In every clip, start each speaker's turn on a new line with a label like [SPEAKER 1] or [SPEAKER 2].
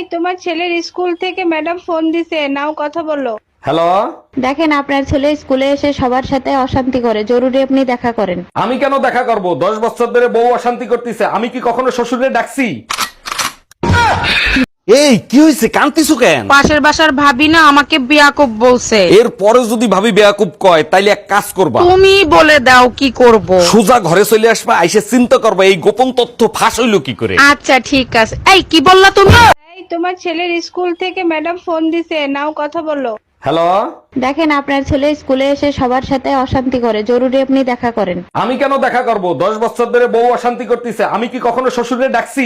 [SPEAKER 1] তোমার ছেলের স্কুল থেকে ম্যাডাম ফোন দিছে, নাও কথা বলো।
[SPEAKER 2] হ্যালো,
[SPEAKER 3] দেখেন আপনার ছেলে স্কুলে এসে সবার সাথে অশান্তি করে, জরুরি আপনি দেখা করেন।
[SPEAKER 2] আমি কেন দেখা করব? 10 বছর ধরে বউ অশান্তি করতেছে, আমি কি কখনো শ্বশুরে ডাকছি? এই কি হয়েছে, কান্তিছো কেন?
[SPEAKER 4] পাশের বাসার ভাবি না আমাকে বিয়াকুব বলছে।
[SPEAKER 2] এর পরে যদি ভাবি বেয়াকুব কয় তাইলে এক কাজ করবা,
[SPEAKER 4] তুমি বলে দাও কি করব।
[SPEAKER 2] সোজা ঘরে চলে আসবা, আইসে চিন্তা করবা এই গোপন তথ্য ফাঁস হইলো কি করে।
[SPEAKER 4] আচ্ছা ঠিক আছে। এই কি বললা তুমি?
[SPEAKER 1] তোমার ছেলের স্কুল থেকে ম্যাডাম ফোন দিছে, নাও কথা বলো।
[SPEAKER 2] হ্যালো,
[SPEAKER 3] দেখেন আপনার ছেলে স্কুলে এসে সবার সাথে অশান্তি করে, জরুরি আপনি দেখা করেন।
[SPEAKER 2] আমি কেন দেখা করব? 10 বছর ধরে বউ অশান্তি করতেছে, আমি কি কখনো শ্বশুরে ডাকছি?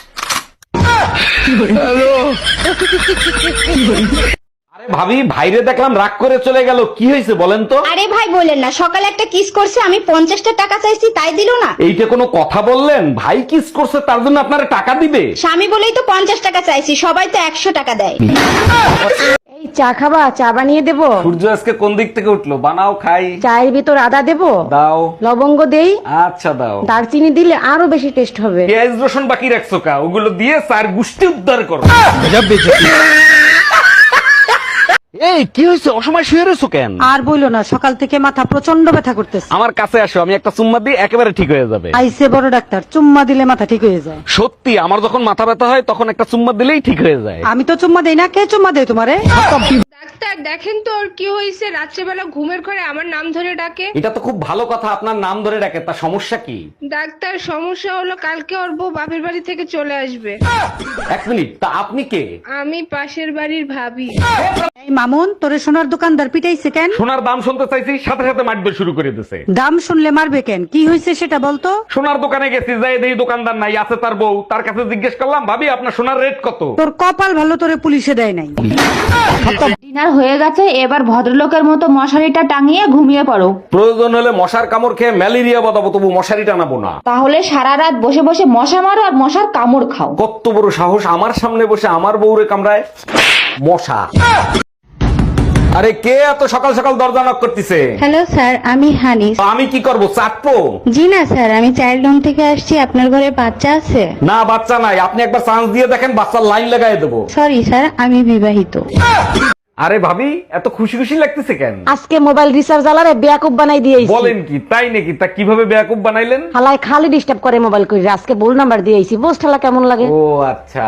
[SPEAKER 2] আরে ভাবি, ভাইরে দেখলাম রাগ করে চলে গেল, কি হয়েছে বলেন তো?
[SPEAKER 5] আরে ভাই বলেন না, সকালে একটা কিস করছে, আমি 50টা টাকা চাইছি তাই দিল না।
[SPEAKER 2] এইটা কোনো কথা বললেন? ভাই কিস করছে তার জন্য আপনারা টাকা দিবে?
[SPEAKER 5] স্বামী বলেই তো 50 টাকা চাইছি, সবাই তো 100 টাকা দেয়।
[SPEAKER 6] এই চা খাবা? চা বানিয়ে দেবো?
[SPEAKER 2] সূর্য আজকে কোন দিক থেকে উঠলো? বানাও খাই।
[SPEAKER 6] চায়ের ভিতর আদা দেবো?
[SPEAKER 2] দাও।
[SPEAKER 6] লবঙ্গ দেই?
[SPEAKER 2] আচ্ছা দাও।
[SPEAKER 6] দারচিনি দিলে আরো বেশি টেস্ট হবে।
[SPEAKER 2] পেঁয়াজ রসুন বাকি রাখছো কা? ওগুলো দিয়ে চার গুষ্টি উদ্ধার করো। এই কি হয়েছে, অসময় শুয়ে রয়েছো কেন?
[SPEAKER 6] আর বইলো না, সকাল থেকে মাথা প্রচন্ড ব্যথা করতেছে।
[SPEAKER 2] আমার কাছে আসো, আমি একটা চুম্মা দিই, একেবারে ঠিক হয়ে যাবে।
[SPEAKER 6] আইসে বড় ডাক্তার, চুম্মা দিলে মাথা ঠিক হয়ে যায়।
[SPEAKER 2] সত্যি, আমার যখন মাথা ব্যথা হয় তখন একটা চুম্মা দিলেই ঠিক হয়ে যায়।
[SPEAKER 6] আমি তো চুম্মা দেই না, কে চুম্মা দেয় তোমারে?
[SPEAKER 1] ডাক্তার দেখেন তো ওর কি হয়েছে, রাত্রেবেলা ঘুমের ঘরে আমার নাম ধরে ডাকে।
[SPEAKER 2] এটা তো খুব ভালো কথা, আপনার নাম ধরে ডাকে, তা সমস্যা কি?
[SPEAKER 1] ডাক্তার সমস্যা হলো কালকে ওর বউ বাপের বাড়ি থেকে চলে আসবে।
[SPEAKER 2] 1 মিনিট, তা আপনি কে?
[SPEAKER 1] আমি পাশের বাড়ির ভাবি।
[SPEAKER 6] এই মামুন, তোরে সোনার দোকানদার পিটাইছে কেন?
[SPEAKER 2] সোনার দাম শুনতে চাইছি, সাথে সাথে মাটবে শুরু করে দিছে।
[SPEAKER 6] দাম শুনলে মারবে কেন? কি হয়েছে সেটা বলতো।
[SPEAKER 2] সোনার দোকানে গেছি, যাই দেখি দোকানদার নাই, আছে তার বউ। তার কাছে জিজ্ঞেস করলাম, ভাবি আপনার সোনার রেট কত?
[SPEAKER 6] তোর কপাল ভালো, তোরে পুলিশে দেয় নাই।
[SPEAKER 5] ডিনার হয়ে গেছে, এবার ভদ্রলোকের মতো মশারিটা টাঙিয়ে ঘুমিয়ে পড়ো।
[SPEAKER 2] প্রয়োজন হলে মশার কামড় খেয়ে ম্যালেরিয়া বাঁধাবো, তবু মশারি টানাবো না।
[SPEAKER 5] তাহলে সারা রাত বসে বসে মশা মারো আর মশার কামড় খাও।
[SPEAKER 2] কত বড় সাহস, আমার সামনে বসে আমার বউরে কামড়ায় মশা। আরে কে এত সকাল সকাল দরজা নক করতেছে?
[SPEAKER 3] হ্যালো স্যার, আমি হানি।
[SPEAKER 2] তো আমি কি করব, চাটবো?
[SPEAKER 3] জি না স্যার, আমি চাইল্ড হোম থেকে আসছি। আপনার ঘরে বাচ্চা আছে?
[SPEAKER 2] না, বাচ্চা নাই। আপনি একবার চান্স দিয়ে দেখেন, বাচ্চার লাইন লাগাই দেবো।
[SPEAKER 3] সরি স্যার, আমি বিবাহিত।
[SPEAKER 2] আরে ভাবি, এত খুশি খুশি লাগতেছে কেন?
[SPEAKER 6] আজকে মোবাইল রিচার্জ আলারে বেয়াকুব বানাই দিয়েছি।
[SPEAKER 2] বলেন কি, তাই নাকি? তা কিভাবে বেয়াকুব বানাইলেন?
[SPEAKER 6] হালায় খালি ডিস্টার্ব করে মোবাইল করে, আজকে ভুল নাম্বার দিয়েছি। বুঝ ঠালা কেমন লাগে?
[SPEAKER 2] ও আচ্ছা।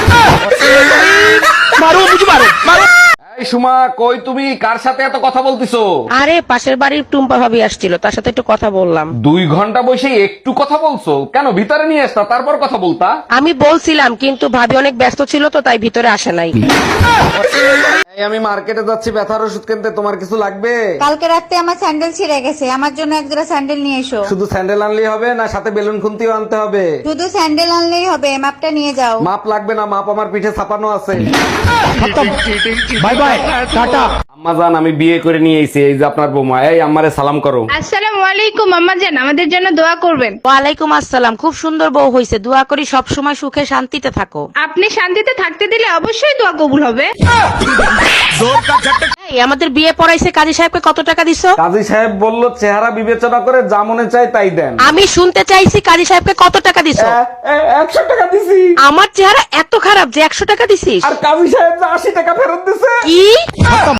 [SPEAKER 2] এই সুমা, কই তুমি? কার সাথে এত কথা বলতিছো?
[SPEAKER 4] আরে পাশের বাড়ির টুম্পা ভাবি আসছিল, তার সাথে একটু কথা বললাম।
[SPEAKER 2] 2 ঘন্টা বসে একটু কথা বলছো কেন? ভিতরে নিয়ে আসতা, তারপর কথা বলতা।
[SPEAKER 4] আমি বলছিলাম কিন্তু ভাবি অনেক ব্যস্ত ছিল তো তাই ভিতরে আসে নাই।
[SPEAKER 2] এই আমি মার্কেটে যাচ্ছি ব্যথার ওষুধ কিনতে, তোমার কিছু লাগবে?
[SPEAKER 5] কালকে রাতে আমার স্যান্ডেল ছিঁড়ে গেছে, আমার জন্য এক জোড়া স্যান্ডেল নিয়ে এসো।
[SPEAKER 2] শুধু স্যান্ডেল আনলেই হবে না, সাথে বেলুন খুন্তিও আনতে হবে?
[SPEAKER 5] শুধু স্যান্ডেল আনলেই হবে, মাপটা নিয়ে যাও।
[SPEAKER 2] মাপ লাগবে না, মাপ আমার পিঠে ছাপানো আছে।
[SPEAKER 7] Bye bye, tata.
[SPEAKER 2] আম্মা জান, আমি বিয়ে করে নিয়ে এসেছি, এই যে আপনার বৌমা। এই আম্মারে সালাম করো।
[SPEAKER 1] আসসালামু আলাইকুম আম্মা জান, আমাদের জন্য দোয়া করবেন।
[SPEAKER 4] ওয়ালাইকুম আসসালাম। খুব সুন্দর বউ হয়েছে, দোয়া করি সব সময় সুখে শান্তিতে থাকো।
[SPEAKER 1] আপনি শান্তিতে থাকতে দিলে অবশ্যই দোয়া কবুল হবে।
[SPEAKER 4] এই আমাদের বিয়ে পড়াইছে, কাজী সাহেবকে কত টাকা দিছো?
[SPEAKER 2] কাজী সাহেব বলল চেহারা বিবেচনা করে যা মনে চায় তাই দেন।
[SPEAKER 4] আমি শুনতে চাইছি কাজী সাহেবকে কত টাকা দিছো?
[SPEAKER 2] 100 টাকা দিছি।
[SPEAKER 4] আমার চেহারা এত খারাপ যে 100 টাকা দিছিস?
[SPEAKER 2] আর কাজী সাহেব যে 80 টাকা ফেরত দিছে।
[SPEAKER 4] কি?